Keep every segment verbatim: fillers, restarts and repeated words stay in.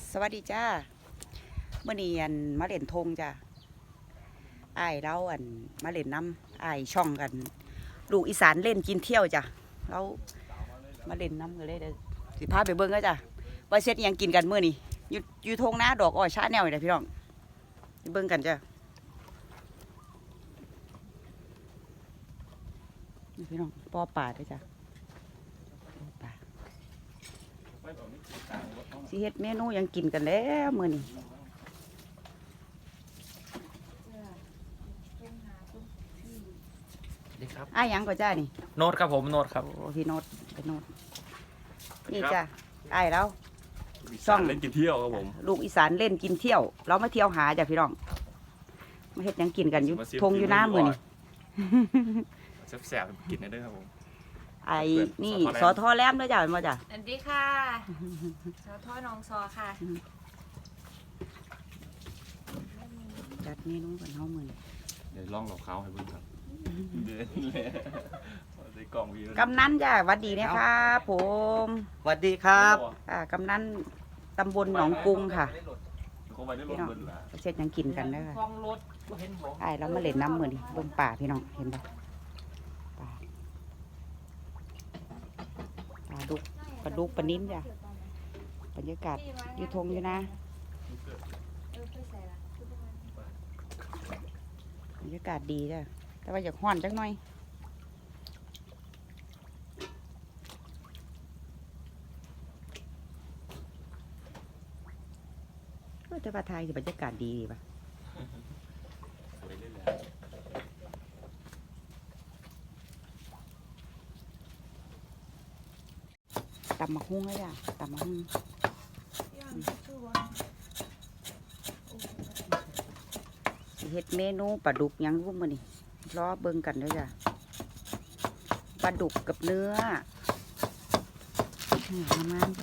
สวัสดีจ้าเมื่อนี้อันมาเล่นธงจ้าอ้ายเราอันมาเล่นน้ำอ้ายช่องกันลูกอีสานเล่นกินเที่ยวจ้ะเรามาเล่นน้ำกันเลยเดี๋ยวสิพาไปเบิ้งก็จ้ะว่าเซ็ตยังกินกันเมื่อนี้อยู่อยู่ธงนะดอกอ้อยชาแนวเลยพี่น้องไปเบิ้งกันจ้ะนี่พี่น้องปอป่าด้วยจ้ะสิเฮ็ดเมนูยังกินกันแล้วมื้อนี้ดีครับอ้ายหยังก็จ้านี่โน้ตครับผมโน้ตครับโอ้พี่โน้ตเป็นโน้ตนี่จ้ะอ้ายแล้วช่องเล่นกินเที่ยวครับผมลูกอีสานเล่นกินเที่ยวเรามาเที่ยวหาจ้ะพี่น้องมาเฮ็ดยังกินกันอยู่ทงอยู่น้ำมื้อนี้แซ่บๆกินได้ด้วยครับผมไอ้นี่สอทอแหลมด้วยจ้ะเป็นบ่จ้ะสวัสดีค่ะสอทอน้องซอค่ะจัดเมนูกันเฮามื้อนี้เดี๋ยวลองหลอกเขาให้เบิ่งครับเดินเลยใส่กล่องวีกำนันจ้ะหวัดดีนะครับผมสวัสดีครับอ่ากำนันตำบลหนองกรุงค่ะพี่น้องเช็ดยังกินกันเด้อไอ้เรามาเล่นน้ำมื้อนี้เบิ่งป่าพี่น้องเห็นบ่ปลาดุกปลาดุกปลานิ่มจ้ะบรรยากาศอยู่ทงอยู่นะบรรยากาศดีจ้ะแต่ว่าอยากห้อนจังหน่อยแต่ว่าไทยบรรยากาศดีป่ะตำมะฮุ่งเลยจ้ะตำมะฮุ่งเฮ็ดเมนูปลาดุกยังรู้มานี่รอเบิ่งกันด้วยจ้ะปลาดุกกับเนื้อประมาณจ้ะ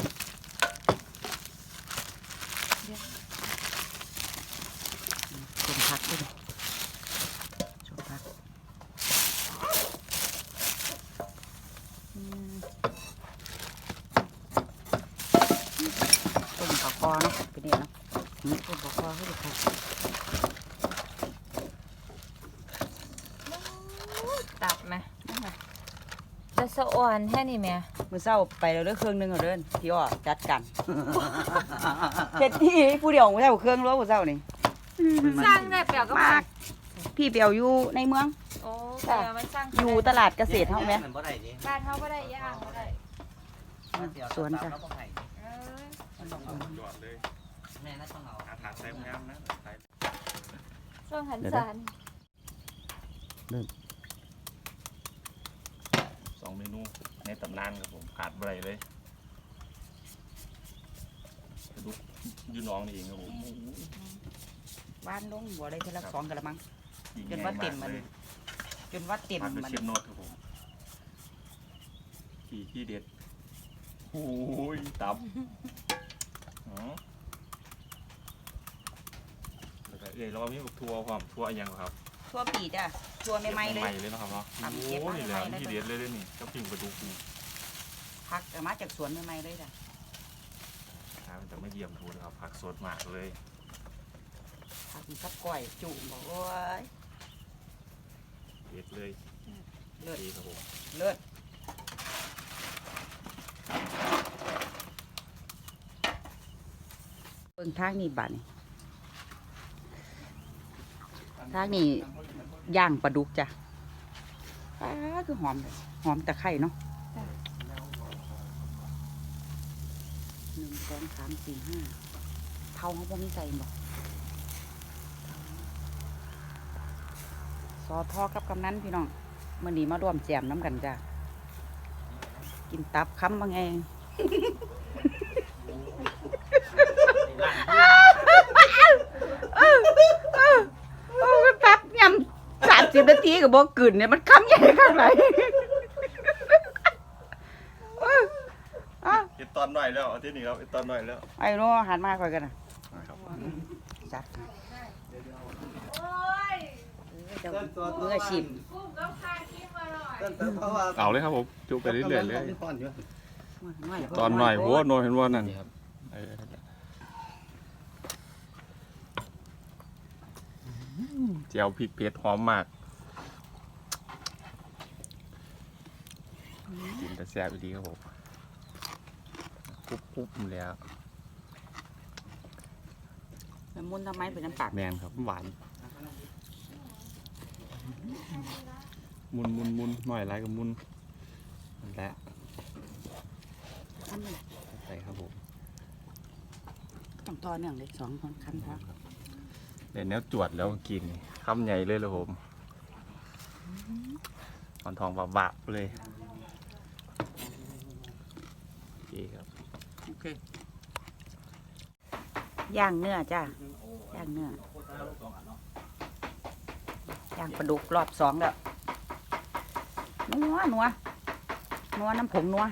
ชมผักด้วยชมผักต้มปลาคอเนาะเป็นเนี่ยเนาะนี่ต้มปลาคอให้ดูค่ะตับไหมจะสะอ่อนแค่นี้ไหมมื้อเช้าไปแล้วเด้อเครื่องนึงเอาเด้อพี่อ้อจัดกันเฮ็ดที่ผู้เดียวมื้อเช้าเครื่องแล้วมื้อเช้านี่สร้างได้เปล่าก็มาพี่เปียวอยู่ในเมืองโอ้แต่มันสร้างอยู่ตลาดเกษตรเฮาแม่บ้านเฮาบ่ได้ย่างบ่ได้สวนจ้ะแม่น่าต้องเอาอาถรรพ์ใส่งามนะช่วงหันสารสองเมนูในตำนานครับผมขาดอะไรเลยดูยูน้องนี่เองครับผมบ้านลงบัวได้เท่าละสองกระมังจนว่าเต็มมันจนว่าเต็มมันเชฟโนดครับผมที่ที่เด็ดโอ้ยตับอ๋อเอ้ยเรามีทัวร์ความทัวร์ยังครับทัวร์ปีจ้ะทัวร์ใหม่ๆเลยใหม่เลยนะครับเนาะโอ้นี่แหละที่เด็ดเลยนี่ก็ปิ้งปลาดุกผักมาจากสวนใหม่ๆเลยจ้ะมันจะไม่เยี่ยมทูนะครับผักสดมากเลยผักซับก้อยจุ่มบอกว่าเด็ดเลยเลิศครับผมเลิศเบิ่งทางนี้บัดนี่ทางนี้ย่างปลาดุกจ้ะป้าคือหอมหอมตะไคร้เนาะหนึ่งสองสามสี่ห้าเท่าเขาบ่มีใส่บอกซอทอกับกำนันพี่น้องเมื่อนี้มาร่วมแจมน้ำกันจ้ะกินตับค้ำบางเองแป๊บยำสามสิบนาทีกับโบกึ่นเนี่ยมันค้ำใหญ่ข้างไหนเห็นตอนหน่อยแล้วที่นี่ครับเห็นตอนหน่อยแล้วไอ้โน่หันมาคอยกันนะจัดเมื่อชิมเอาเลยครับผมจุไปเรื่อยๆเลยตอนหน่อยหัวโน่เห็นว่านั่นเจียวพริกเผ็ดหอมมากกินแต่แซ่บดีครับผมคุบคุบๆแล้วแล้วมุนทำไมเป็นน้ำปากแมนครับหวานมุนมุนมุนหน่อยไรกับมุนนั่นแหละใส่ครับผมต้องต่อเนื่องเลยสองคนคันพอเดี๋ยวเนี้ยจวดแล้วกินคำใหญ่เลยเลยผมหอนทองบาบๆเลยโอเคครับโอเคย่างเนื้อจ้าย่างเนื้อย่างปลาดุกรอบสองแล้วนัวนัวนัวน้ำผงนัว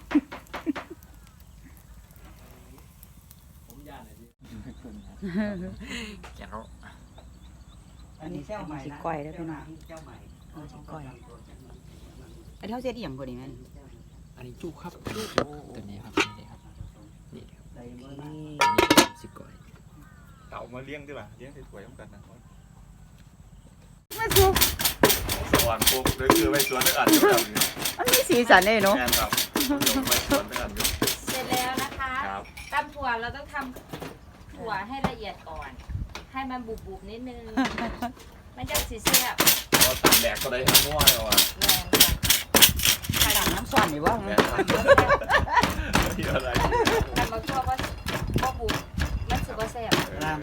แก้วอันนี้สิก้อยแล้วพี่น้องเอาสิก้อยอันเท่าเสียดอีหยังกว่านี้แม่นอันนี้จุครับจุตัวนี้ครับนี่ครับนี่ครับอันนี้สิก่อยเต่ามาเลี้ยงดีกว่าเลี้ยงสวยๆต้องกันนะมาสุกสวรรค์ปุ๊บเลยคือไปสวนด้วยอันด้วยกันมันมีสีสันเลยเนาะแมนครับไปสวนด้วยอันด้วยเสร็จแล้วนะคะครับตำถั่วเราต้องทำถั่วให้ละเอียดก่อน ให้มันบุบๆนิดนึง มันจะสีเสียบเราตัดแหลกก็ได้ทั้งม้วนเลยว่ะแรงค่ะต่างน้ำซ้อนอยู่ว่าแมนครับที่อะไรทำมาทั่วว่าว่าบุบมันสุกว่าเสียบ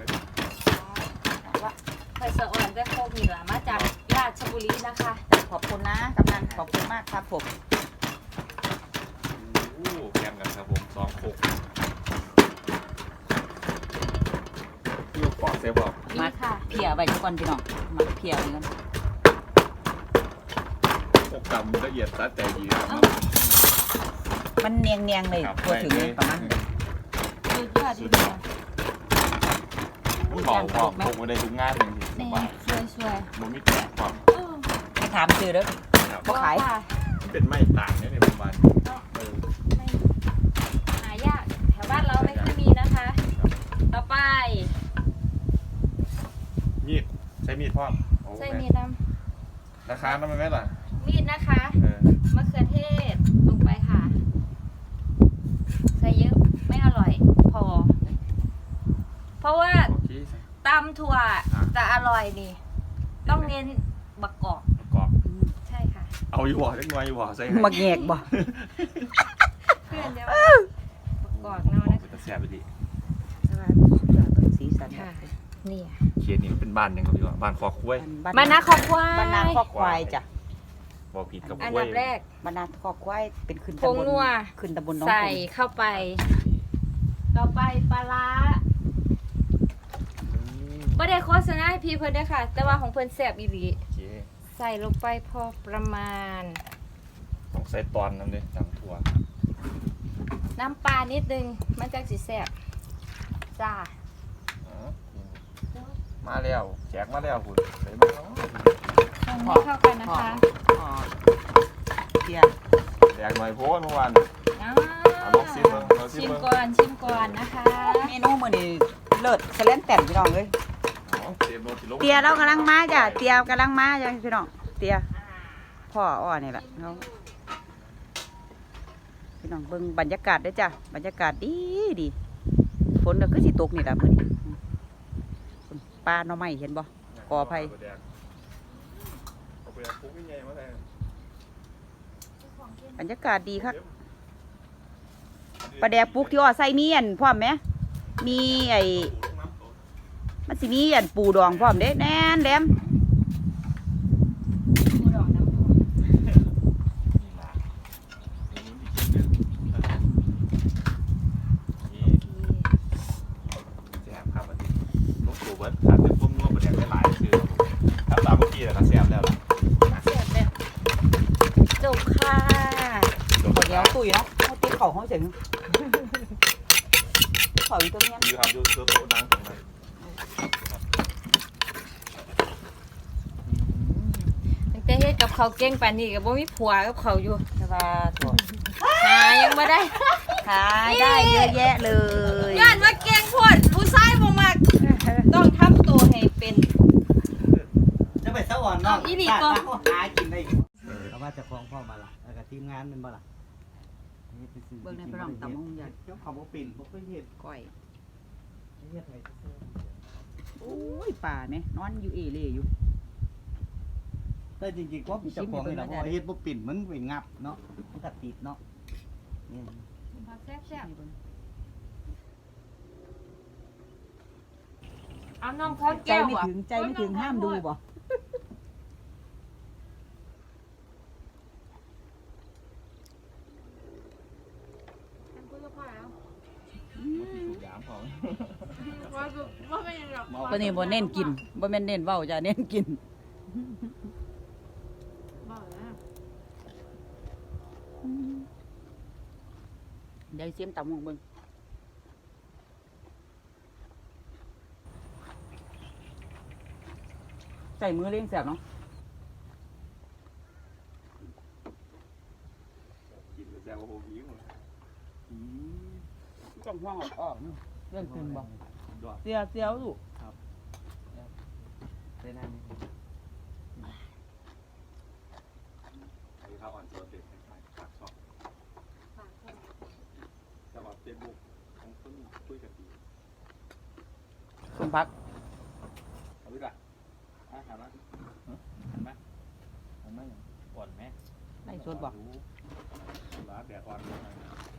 ว่าไผ่สะอ่อนได้โคกนี่ล่ะมาจากราชบุรีนะคะขอบคุณนะกำนันขอบคุณมากครับผมโอ้แกมกันครับผมสองโคกลูกปอดเซฟบอกนี่ค่ะเพียไว้ทุกคนพี่น้องมาเพียไว้กันโคกกำละเอียดแต่ดีนะครับมันเนียงเนียงๆเลยทั่วถึงเลยประมาณสุดยอดดีเดียวเบาความโคกมาได้ทุกงานเลยสนี่บายสวยสวยมันไม่แตกความไม่ถามชื่อเด้อ บ่ขายเป็นไม้ต่างเนี่ยในประมาณเออไม่หายากแถวบ้านเราไม่ค่อยมีนะคะ ต่อไปมีดใช้มีดพ่อมใส่มีดน้ราคาน้ำมันไหมล่ะำมีดนะคะเออมะเขือเทศลงไปค่ะ ใส่เยอะไม่อร่อย พอ เพราะว่าโอเคตำถั่วจะอร่อยนี่ ต้องเน้นบักกอกประกอบใช่ค่ะเอาอยู่บ่เล็กน้อยอยู่บ่ใส่ให้มาแงกบ่เพื่อนเดียวบักกอกเนาะโอ้นะเป็นตาแซ่บไปดิสวัสดีสุดยอดเลยสีสันค่ะ นี่เขียนนี่มันเป็นบ้านยังครับพี่ว่าบ้านคอคุ้ยมานะขอบควายบรรณาครอบควายจ้ะบอกผิดกับอันคุ้ดัยบแรกบรรณาครอบควายเป็นขึ้นผตำงบลนัวขึ้นตำบลน้องใส่กรุงเข้าไป ต่อไปปลาร้าอืมไม่ได้โฆษณาให้พี่เพิ่นเด้อค่ะ แต่ว่าของเพิ่นแซ่บอีหลีโอเคใส่ลงไปพอประมาณต้องใส่ตอนน้ำเลยจำถั่วน้ำปลานิดนึง มันจังสิแซ่บจ้าอ๋อมาแล้วแจกมาแล้วคุณใส่มาแล้วตรงนี้เข้ากันนะคะอ๋อเพียแจกหน่อยโพสเมื่อวานอ่าเอาลองชิมเบิ่งลองชิมชิมเบิ่งก่อนชิมก่อนนะคะเมนูมื้อนี้เลิศแสลนแต่นพี่น้องเอ้ยอ๋อเตรียมโน้ตที่ลงเตียเรากำลังมาจ้ะเตียกำลังมาจ้ะพี่น้องเตียพ่ออ้อนี่แหละเขาพี่น้องเบิ่งบรรยากาศเด้อจ้ะบรรยากาศดีดีฝนก็คือสิตกนี่ล่ะมื้อนี้ปลาหน่อไม้เห็นบ่ กอไผ่เอาไปปุ๊บยังไงมาแทนบรรยากาศดีครับปลาแดกปลูกที่อ้อใส่มีอันพร้อมไหมมีไอ้มันสิมีอันปูดองพร้อมเด้แน่นแหลมแซ่บครับอันนี้ลูกสูบเบิร์ดขาดเป็นพวกนัวประเดี๋ยวได้หลายคือถ้าตามเมื่อกี้แหละก็แซ่บแล้วล่ะแซ่บแบบจบค่ะข้าวเหนียวตุ้ยเนาะเขาติดเข่าเขาเสียงเข่าอยู่ตรงนี้อยู่ครับอยู่ตัวโต๊ะดังตรงนั้นตั้งแต่เฮ็ดกับเขาวเก่งปานนี้ก็บ่มีผัวกับเขาอยู่สบายถั่วหายังบ่ได้ขายได้เยอะแยะเลยย้านว่าเก่งโพดผู้ชายบ่มักต้องทำตัวให้เป็นอีหลีก็หากินได้เอาว่าจะคล้องพ่อมาละแล้วก็ทีมงานเป็นบ่ล่ะเบิ่งในพระรองตำมงยันเจ้าของบ่ปิ่นบ่เคยเห็นก้อยเฮ็ดให้โอ้ยป่าไหมนอนอยู่เอเล่อยู่แต่จริงๆก็มีเจ้าของนี่ล่ะเพราะว่าเฮ็ดบ่ปิ่นมันไปงับเนาะมันก็ติดเนาะนี่ผักแซ่บๆเอาน้องพอใจแก้วไม่อ่ะถึงใจไม่ถึงห้ามดูบ่ยามของตัวนี้บ่เน้นกินบ่แม่นเน้นเว้าจ้ะเน้นกินเดี๋ยวเสียมตำมงเบิ่งใส่มือเลี้ยงแสบเนาะกินแซ่บโอ้โหหิวต้องห้องออกเรื่องกินบ่ดอกเสียเสียวลูกได้นั่นนี่ไอ้ข้าวอ่อนโซนเด็ดขายฝากช็อปแต่ว่าเฟซบุ๊กของคนคุยกันดีสมพักเอาดิล่ะอ่ะหันมาหันมาหันมาอย่างอ่อนไหมไล่สดบ่ร้านแดดอ่อนเลย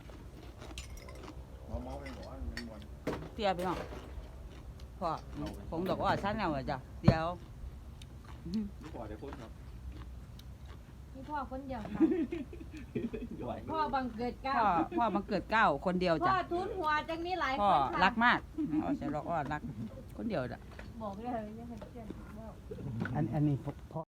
เมาเมาไปบอกว่ามันมวนเสียไปเนาะพ่อผมดอกอ้อชั้นแล้วอะจ้ะเสียวไม่พอได้พูดครับนี่พ่อคนเดียวค่ะด้วยพ่อบังเกิดเกล้าพ่อพ่อบังเกิดเก้าคนเดียวพ่อจ้ะทุนหัวจังนี้หลายพ่อคนค่ะรักมากเอาใส่ดอกอ้อรักคนเดียวจ้ะบอกเลยยังไงเพื่อนบอกอันอันนี้พ่อ